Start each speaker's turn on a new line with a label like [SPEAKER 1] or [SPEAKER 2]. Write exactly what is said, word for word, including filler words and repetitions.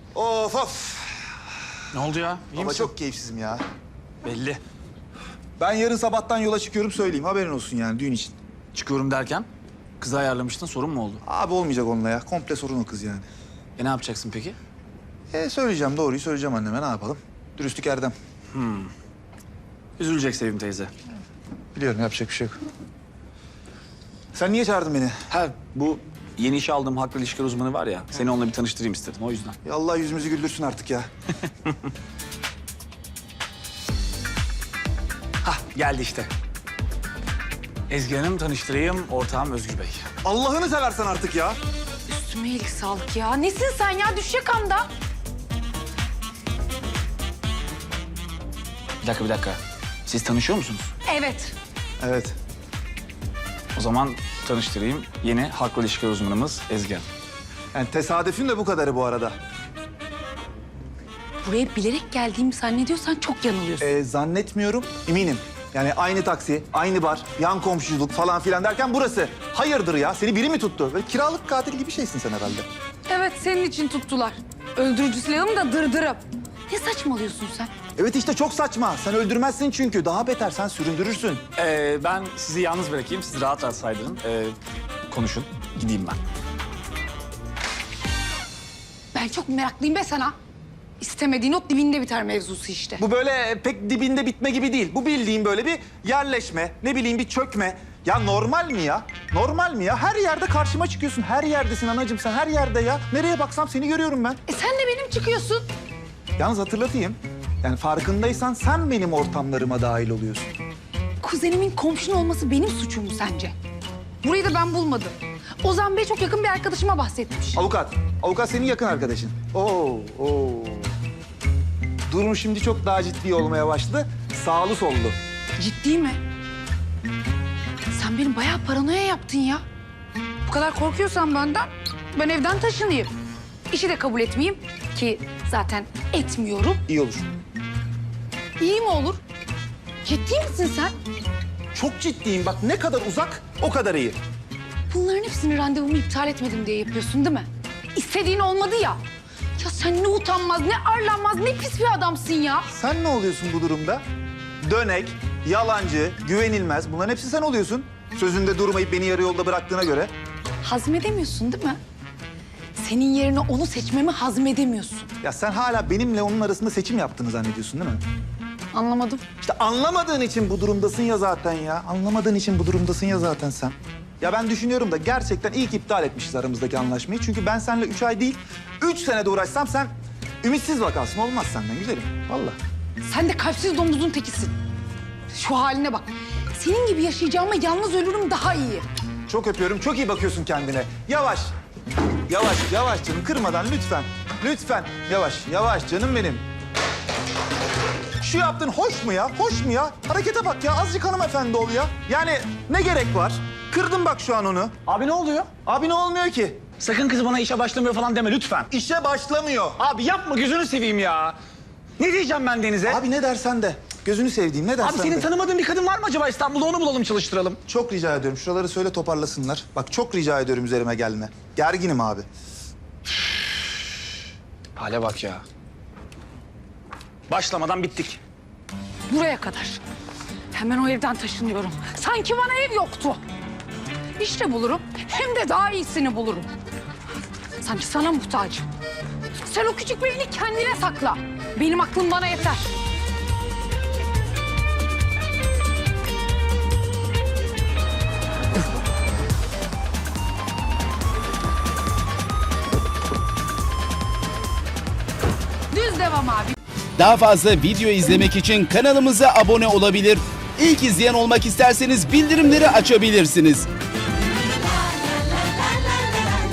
[SPEAKER 1] Of of.
[SPEAKER 2] Ne oldu ya? İyi
[SPEAKER 1] Baba
[SPEAKER 2] misin?
[SPEAKER 1] çok keyifsizim ya.
[SPEAKER 2] Belli.
[SPEAKER 1] Ben yarın sabahtan yola çıkıyorum söyleyeyim. Haberin olsun yani düğün için.
[SPEAKER 2] Çıkıyorum derken kızı ayarlamıştın, sorun mu oldu?
[SPEAKER 1] Abi olmayacak onunla ya. Komple sorun o kız yani.
[SPEAKER 2] E ne yapacaksın peki?
[SPEAKER 1] E söyleyeceğim doğruyu söyleyeceğim anneme ne yapalım. Dürüstlük erdem.
[SPEAKER 2] Üzülecek Sevim teyze.
[SPEAKER 1] Biliyorum yapacak bir şey yok. Sen niye çağırdın beni?
[SPEAKER 2] Ha bu yeni işe aldığım haklı ilişkiler uzmanı var ya, seni onunla bir tanıştırayım istedim o yüzden.
[SPEAKER 1] Ya Allah yüzümüzü güldürsün artık ya.
[SPEAKER 2] Hah geldi işte. Ezgi Hanım tanıştırayım, ortağım Özgür Bey.
[SPEAKER 1] Allah'ını seversen artık ya.
[SPEAKER 3] Üstüme iyilik sağlık ya. Nesin sen ya? Düşecek anda.
[SPEAKER 2] Bir dakika bir dakika. Siz tanışıyor musunuz?
[SPEAKER 3] Evet.
[SPEAKER 1] Evet.
[SPEAKER 2] O zaman tanıştırayım. Yeni haklı ilişkiler uzmanımız Ezgi Hanım.
[SPEAKER 1] Yani tesadüfün de bu kadarı bu arada.
[SPEAKER 3] Buraya bilerek geldiğimi zannediyorsan çok yanılıyorsun.
[SPEAKER 1] E, zannetmiyorum, eminim. Yani aynı taksi, aynı bar, yan komşuluk falan filan derken burası. Hayırdır ya? Seni biri mi tuttu? Böyle kiralık katil gibi şeysin sen herhalde.
[SPEAKER 3] Evet, senin için tuttular. Öldürücü silahım da dırdırım. Ne saçmalıyorsun sen?
[SPEAKER 1] Evet işte çok saçma. Sen öldürmezsin çünkü. Daha beter sen süründürürsün.
[SPEAKER 2] Ee, ben sizi yalnız bırakayım, siz rahat rahat saydırın. Ee, konuşun, gideyim ben.
[SPEAKER 3] Ben çok meraklıyım be sana. İstemediğin ot dibinde biter mevzusu işte.
[SPEAKER 1] Bu böyle pek dibinde bitme gibi değil. Bu bildiğin böyle bir yerleşme, ne bileyim bir çökme. Ya normal mi ya? Normal mi ya? Her yerde karşıma çıkıyorsun. Her yerdesin anacığım sen, her yerde ya. Nereye baksam seni görüyorum ben.
[SPEAKER 3] E sen de benim çıkıyorsun.
[SPEAKER 1] Yalnız hatırlatayım. Yani farkındaysan sen benim ortamlarıma dahil oluyorsun.
[SPEAKER 3] Kuzenimin komşun olması benim suçum mu sence? Burayı da ben bulmadım. Ozan Bey çok yakın bir arkadaşıma bahsetmiş.
[SPEAKER 1] Avukat. Avukat senin yakın arkadaşın. Oo, oo. Durum şimdi çok daha ciddi olmaya başladı. Sağlı sollu.
[SPEAKER 3] Ciddi mi? Sen benim bayağı paranoya yaptın ya. Bu kadar korkuyorsan benden, ben evden taşınayım. İşi de kabul etmeyeyim ki zaten etmiyorum.
[SPEAKER 1] İyi olur.
[SPEAKER 3] İyi mi olur? Ciddi misin sen?
[SPEAKER 1] Çok ciddiyim. Bak ne kadar uzak o kadar iyi.
[SPEAKER 3] Bunların hepsini randevumu iptal etmedim diye yapıyorsun değil mi? İstediğin olmadı ya. Ya sen ne utanmaz, ne arlanmaz, ne pis bir adamsın ya.
[SPEAKER 1] Sen ne oluyorsun bu durumda? Dönek, yalancı, güvenilmez. Bunların hepsi sen oluyorsun. Sözünde durmayıp beni yarı yolda bıraktığına göre.
[SPEAKER 3] Hazmedemiyorsun değil mi? Senin yerine onu seçmemi hazmedemiyorsun.
[SPEAKER 1] Ya sen hala benimle onun arasında seçim yaptığını zannediyorsun değil mi?
[SPEAKER 3] Anlamadım.
[SPEAKER 1] İşte anlamadığın için bu durumdasın ya zaten ya. Anlamadığın için bu durumdasın ya zaten sen. Ya ben düşünüyorum da gerçekten iyi ki iptal etmişiz aramızdaki anlaşmayı. Çünkü ben seninle üç ay değil, üç senede uğraşsam sen ümitsiz vakansın. Olmaz senden güzelim. Vallahi.
[SPEAKER 3] Sen de kalpsiz domuzun tekisin. Şu haline bak. Senin gibi yaşayacağıma yalnız ölürüm daha iyi.
[SPEAKER 1] Çok öpüyorum. Çok iyi bakıyorsun kendine. Yavaş. Yavaş, yavaş canım. Kırmadan lütfen. Lütfen. Yavaş, yavaş canım benim. Şu yaptığın hoş mu ya? Hoş mu ya? Harekete bak ya. Azıcık hanımefendi ol ya. Yani ne gerek var? Kırdın bak şu an onu.
[SPEAKER 2] Abi ne oluyor?
[SPEAKER 1] Abi ne olmuyor ki?
[SPEAKER 2] Sakın kız bana işe başlamıyor falan deme lütfen.
[SPEAKER 1] İşe başlamıyor.
[SPEAKER 2] Abi yapma gözünü seveyim ya. Ne diyeceğim ben Deniz'e?
[SPEAKER 1] Abi ne dersen de. Gözünü sevdiğim ne dersen
[SPEAKER 2] Abi senin
[SPEAKER 1] de.
[SPEAKER 2] tanımadığın bir kadın var mı acaba İstanbul'da, onu bulalım çalıştıralım.
[SPEAKER 1] Çok rica ediyorum. Şuraları söyle toparlasınlar. Bak çok rica ediyorum üzerime gelme. Gerginim abi.
[SPEAKER 2] Hale bak ya. Başlamadan bittik.
[SPEAKER 3] Buraya kadar. Hemen o evden taşınıyorum. Sanki bana ev yoktu. İşte bulurum. Hem de daha iyisini bulurum. Sanki sana muhtacım. Sen o küçük beyni kendine sakla. Benim aklım bana yeter. Düz devam abi.
[SPEAKER 4] Daha fazla video izlemek için kanalımıza abone olabilir. İlk izleyen olmak isterseniz bildirimleri açabilirsiniz.